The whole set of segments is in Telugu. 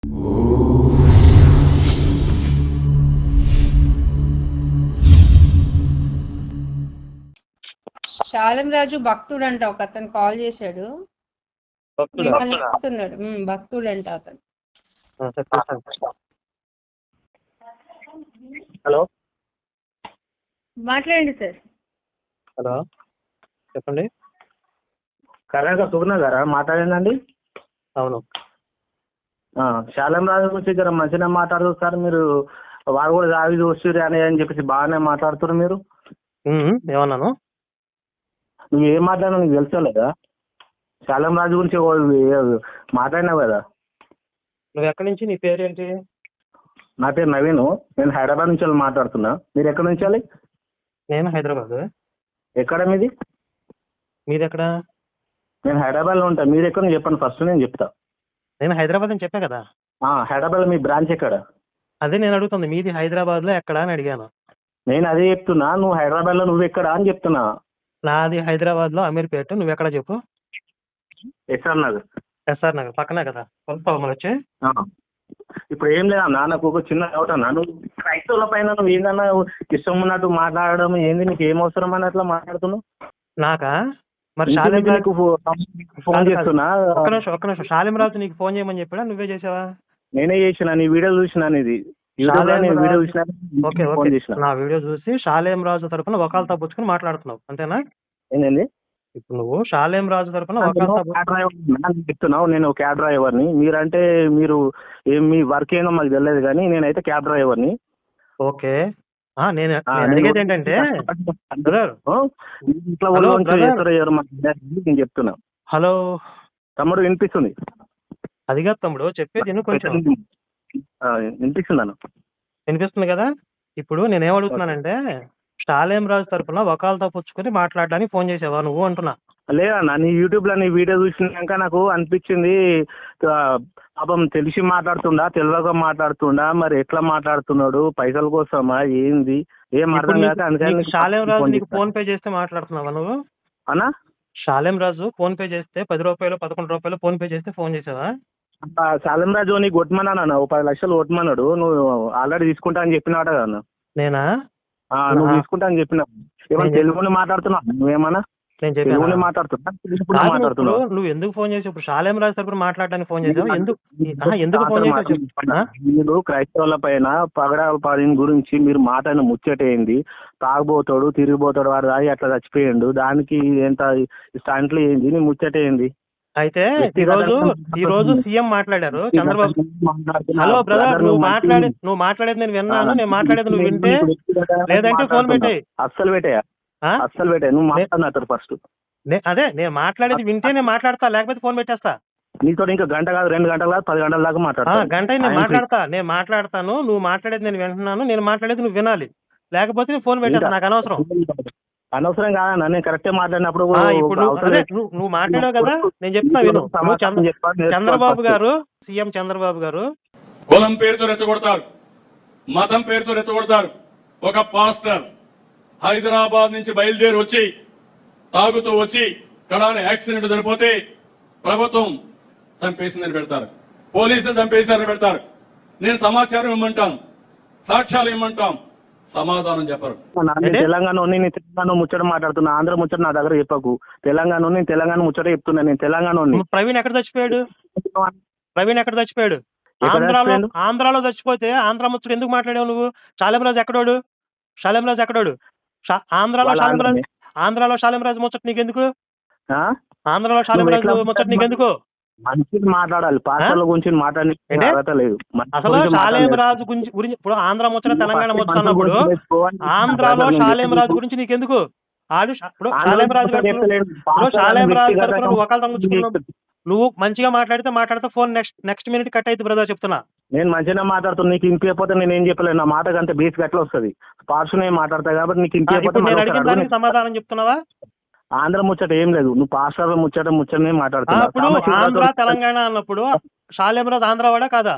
శాలం రాజు భక్తుడంట, ఒక అతను కాల్ చేశాడు. మిమ్మల్ని అడుగుతున్నాడు. భక్తుడంట అతను. హలో మాట్లాడండి సార్. హలో చెప్పండి. కరెక్ట్గా సుగుణ గారా మాట్లాడిందండి? అవును. శాలం రాజు గురించి జర మంచిగా మాట్లాడదు సార్. మీరు వాడు కూడా దావి చూస్తుర్రు అని చెప్పేసి బాగానే మాట్లాడుతున్నారు మీరు. ఏమన్నాను? నువ్వు ఏం మాట్లాడినా నీకు తెలుసలేదా? శాలం రాజు గురించి మాట్లాడినావు కదా. నువ్వు ఎక్కడి నుంచి? నీ పేరేంటి? నా పేరు నవీన్. నేను హైదరాబాద్ నుంచి మాట్లాడుతున్నా. మీరు ఎక్కడి నుంచి? నేను హైదరాబాద్. ఎక్కడ మీది? మీది ఎక్కడ? నేను హైదరాబాద్లో ఉంటా. మీరు ఎక్కడ చెప్పండి ఫస్ట్, నేను చెప్తా. నేను హైదరాబాద్ అని చెప్పా కదా. హైదరాబాద్ మీ బ్రాంచ్ ఎక్కడ? అదే నేను అడుగుతుంది, మీది హైదరాబాద్లో ఎక్కడ అని అడిగాను. నేను అదే చెప్తున్నా. నువ్వు హైదరాబాద్లో నువ్వు ఎక్కడ అని చెప్తున్నా. నాది హైదరాబాద్లో అమీర్పేట. నువ్వు ఎక్కడ చెప్పు? ఎస్ఆర్ నగర్. ఎస్ఆర్ నగర్ పక్కనే కదా. కలుస్తావా మరి వచ్చి? ఇప్పుడు ఏం లేదా, నాకు ఒక చిన్న డౌట్ అన్నా. నువ్వు క్రైస్తవుల పైన నువ్వు ఏందన్నా ఇష్టం ఉన్నట్టు మాట్లాడడం ఏంది? నీకు ఏం అవసరం అని అట్లా మాట్లాడుతున్నావు? నాకా? మరి ఫోన్ చేస్తున్నా. ఒక్క నిమిషం. శాలిం రాజు నీకు ఫోన్ చేయమని చెప్పాడా, నువ్వే చేసావా? నేనే చేసిన. నీ వీడియో చూసినా. నీది వీడియో చూసినా. నా వీడియో చూసి శాలేం రాజు తరపున వకాల్తా పుచ్చుకుని మాట్లాడుతున్నావు అంతేనా? ఏంటండి? ఇప్పుడు నువ్వు శాలేం రాజు తరపున చెప్తున్నావు. నేను క్యాబ్ డ్రైవర్ని. మీరంటే మీరు మీ వర్క్ ఏందో మాకు తెలియదు, కానీ నేనైతే క్యాబ్ డ్రైవర్ని. ఓకే. నేను అడిగేది ఏంటంటే నేను చెప్తున్నా. హలో తమ్ముడు, వినిపిస్తుంది? అది కాదు తమ్ముడు, చెప్పేది కొంచెం వినిపిస్తుందన్న. వినిపిస్తుంది కదా. ఇప్పుడు నేనేమడుగుతున్నానంటే, శాలేం రాజు తరపున వకాల్తా పుచ్చుకొని మాట్లాడడానికి ఫోన్ చేసావా నువ్వు అంటున్నా. లేదన్నా, నీ యూట్యూబ్ లో నీ వీడియో చూసినాక నాకు అనిపించింది, పాపం తెలిసి మాట్లాడుతుండా తెలియక మాట్లాడుతుండా, మరి ఎట్లా మాట్లాడుతున్నాడు, పైసల కోసమా ఏంది ఏం అర్థం కాక. అందుకని శాలేం రాజు నీకు ఫోన్ పే చేస్తే మాట్లాడుతున్నావా నువ్వు? అన్నా, శాలేం రాజు ఫోన్ పే చేస్తే 10 రూపాయలు 11 రూపాయలు ఫోన్ పే చేస్తే ఫోన్ చేసావా? శాలేం రాజు నీకు కొట్టమన్నా, 10 లక్షలు కొట్టమన్నాడు. నువ్వు ఆల్రెడీ తీసుకుంటా అని చెప్పినాట కదా. నేనా? నువ్వు తీసుకుంటా అని చెప్పినా. ఏమన్నా తెలుగుని మాట్లాడుతున్నావు నువ్వేమన్నా? నేను తెలుగుని మాట్లాడుతున్నా. నువ్వు ఎందుకు ఫోన్ చేసి ఇప్పుడు శాలేం రాజు తరపున మాట్లాడడానికి ఫోన్ చేసావు? ఎందుకు ఫోన్ చేసావు? మీరు క్రైస్తవుల పైన పగడాల గురించి మీరు మాట్లాడిన ముచ్చటేంది? తాగుబోతాడు తిరిగిపోతాడు వాడు తాగి అట్లా చచ్చిపోయిండు, దానికి ఎంత స్టాంట్లు ఏంది? నీ ముచ్చటేంది? అయితే ఈ రోజు సీఎం మాట్లాడారు, చంద్రబాబు. హలో బ్రదర్, నువ్వు మాట్లాడేది నేను విన్నాను. నేను మాట్లాడేది నువ్వు వింటే, లేదంటే ఫోన్ పెట్టే. అస్సలు పెట్టాయా? అస్సలు పెట్టాయి. నువ్వు మాట్లాడినారు ఫస్ట్. అదే నేను మాట్లాడేది వింటే నేను మాట్లాడతా, లేకపోతే ఫోన్ పెట్టేస్తా. నీతో ఇంకా గంట కాదు, 2 గంటలు కాదు, 10 గంటల దాకా మాట్లాడతా. గంట నేను మాట్లాడతాను. నువ్వు మాట్లాడేది నేను వింటున్నాను. నేను మాట్లాడేది నువ్వు వినాలి, లేకపోతే నేను ఫోన్ పెట్టేస్తా. నాకు అనవసరం. అనవసరం కాదన్నా, నేను కరెక్టే మాట్లాడినప్పుడు. ఇప్పుడు నువ్వు మాట్లాడావు కదా, నేను చెప్తున్నా విను. చంద్రబాబు గారు, సీఎం చంద్రబాబు గారు కులం పేరుతో రెచ్చగొడతారు, మతం పేరుతో రెచ్చగొడతారు. ఒక పాస్టర్ హైదరాబాద్ నుంచి బయలుదేరి వచ్చి తాగుతూ వచ్చి కడాని యాక్సిడెంట్ జరిగిపోతే ప్రభుత్వం చంపేసిందని పెడతారు, పోలీసులు చంపేశారని పెడతారు. నేను సమాచారం ఇమ్మంటాను, సాక్ష్యాలు ఇమ్మంటాం, సమాధానం చెప్పరు. తెలంగాణ ముచ్చట మాట్లాడుతున్నా, ఆంధ్ర ముచ్చట నా దగ్గర చెప్పకు. తెలంగాణ ముచ్చట చెప్తున్నా. నేను తెలంగాణ. ప్రవీణ్ ఎక్కడ చచ్చిపోయాడు? ఆంధ్రాలో చచ్చిపోతే ఆంధ్ర ముచ్చట ఎందుకు మాట్లాడావు నువ్వు? శాలేం రాజు ఎక్కడోడు? ఆంధ్రాలో శాలేం రాజు ముచ్చట నీకెందుకు? ఆంధ్రాలో శాలేం రాజు ముచ్చట నీకెందుకు? మంచిది మాట్లాడాలి, పాస్టర్ల గురించి మాట్లాడలేదు. అసలు శాలేం రాజు గురించి ఇప్పుడు ఆంధ్ర ముచ్చట తెలంగాణ ముచ్చట అన్నప్పుడు ఆంధ్రాలో శాలేం రాజు గురించి నీకెందుకు? శాలేం రాజు నువ్వు మంచిగా మాట్లాడితే ఫోన్ నెక్స్ట్ మినిట్ కట్ అయితే బ్రదర్ చెప్తున్నా. నేను మంచిగా మాట్లాడుతున్నా, నీకు ఇంపిపోతే నేను ఏం చెప్పలేను. నా మాట అంత బేస్ గట్లా వస్తుంది. పార్షన్ మాట్లాడతా కాబట్టి నీకు ఇంపిపోతే సమాధానం చెప్తున్నావా? ఆంధ్ర ముచ్చట ఏం లేదు, నువ్వు పాస్టర్ ముచ్చటనే మాట్లాడుతున్నావు. ఇప్పుడు ఆంధ్ర తెలంగాణ అన్నప్పుడు శాలేం రాజు ఆంధ్రవాడా కాదా?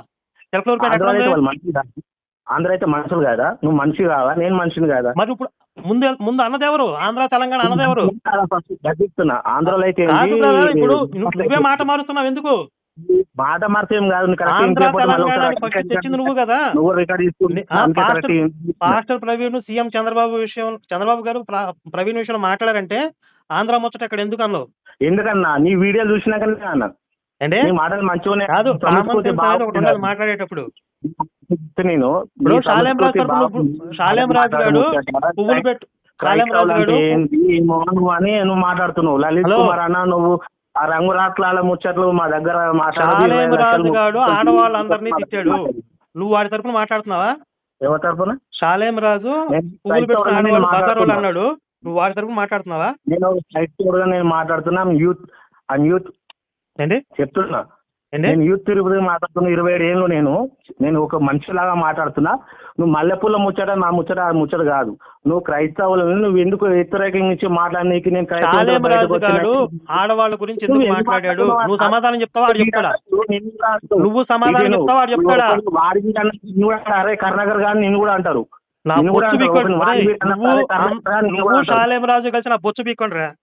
ఆంధ్ర అయితే మనుషులు కాదా? నువ్వు మనిషి కాదా? నేను మనిషిని కాదా? మరి ఇప్పుడు ముందు అన్నదెవరు? ఆంధ్ర తెలంగాణ అన్నదెవరు? ఆంధ్రలో అయితే ఇప్పుడు నువ్వే మాట మారుస్తున్నావు ఎందుకు? మాట మార్చేం కాదు నువ్వు correct ఆంధ్ర చేయకపోతే మళ్ళీ తెలంగాణ ఒకసారి ఫస్ట్ తెచ్చింది నువ్వు కదా. నువ్వు రికార్డ్ తీసుకుని పాస్టర్ ప్రవీణ్ సీఎం చంద్రబాబు గారు ప్రవీణ్ విషయంలో మాట్లాడారంటే ఆంధ్ర ముచ్చట అక్కడ ఎందుకు అన్నావు? ఎందుకన్నా నీ వీడియో చూసినాకనే అన్నా అంటే నీ మాటలు మంచిగానే కాదు, కామన్ సెన్స్ అనేది ఒకటి ఉండాలి బాగుంది. మాట్లాడేటప్పుడు. నేను ఇప్పుడు నీ షాలేం రాజు సంస్కృతి తరపున బాగుంది. షాలేం రాజు గారు పువ్వులు పెట్టు షాలేం రాజు క్రైస్తవులు గారు అంటే ఏంటి ఏమో నువ్వు అని నువ్వు మాట్లాడుతున్నావు. లలిత్ హలో. కుమార్ అన్న నువ్వు ఆ రంగురాట్ల ముచ్చట్లు మా దగ్గర షాలేం రాజు గారు ఆడవాళ్ళందరినీ తిట్టాడు, నువ్వు వాడి తరపున మాట్లాడుతున్నావా? ఎవరి తరపున? షాలేం రాజు నేను పువ్వులు పెట్టుకుని క్రైస్తవులని ఆడవాళ్ళు బజార్ వాళ్ళు మాట్లాడుతున్నా. అన్నాడు, నువ్వు వాడి తరపున మాట్లాడుతున్నావా? నేను క్రైస్తవుడుగా నేను మాట్లాడుతున్నా. యూత్ ఏంటి చెప్తున్నా. ఏంటి నేను యూత్ తిరుగుతూ మాట్లాడుతున్నా. 27 ఏళ్ళు నేను ఒక మనిషిలాగా మాట్లాడుతున్నా. నువ్వు మల్లెపూల ముచ్చట నా ముచ్చట ఆ ముచ్చట కాదు. నువ్వు క్రైస్తవులను నువ్వు ఎందుకు వ్యతిరేకించి మాట్లాడనీకి నేను షాలేం రాజు గారు ఆడవాళ్ళ గురించి ఎందుకు మాట్లాడాడు? నువ్వు సమాధానం చెప్తావా వాడు చెప్తాడా? నువ్వు సమాధానం చెప్తావా వాడు చెప్తాడా? వాడికి అరే కర్ణాకర్ గారు నిన్ను కూడా అంటారు. నా నిన్ను కూడా బొచ్చు అంటారు. పీక్కోండి. ఒకరిని వాడికి అన్నా, నువ్వు అరే కర్ణాకర్ గారు నిన్ను కూడా నువ్వు అంటారు. షాలేం రాజు కలిసి నా బొచ్చు పీక్కోండి రా.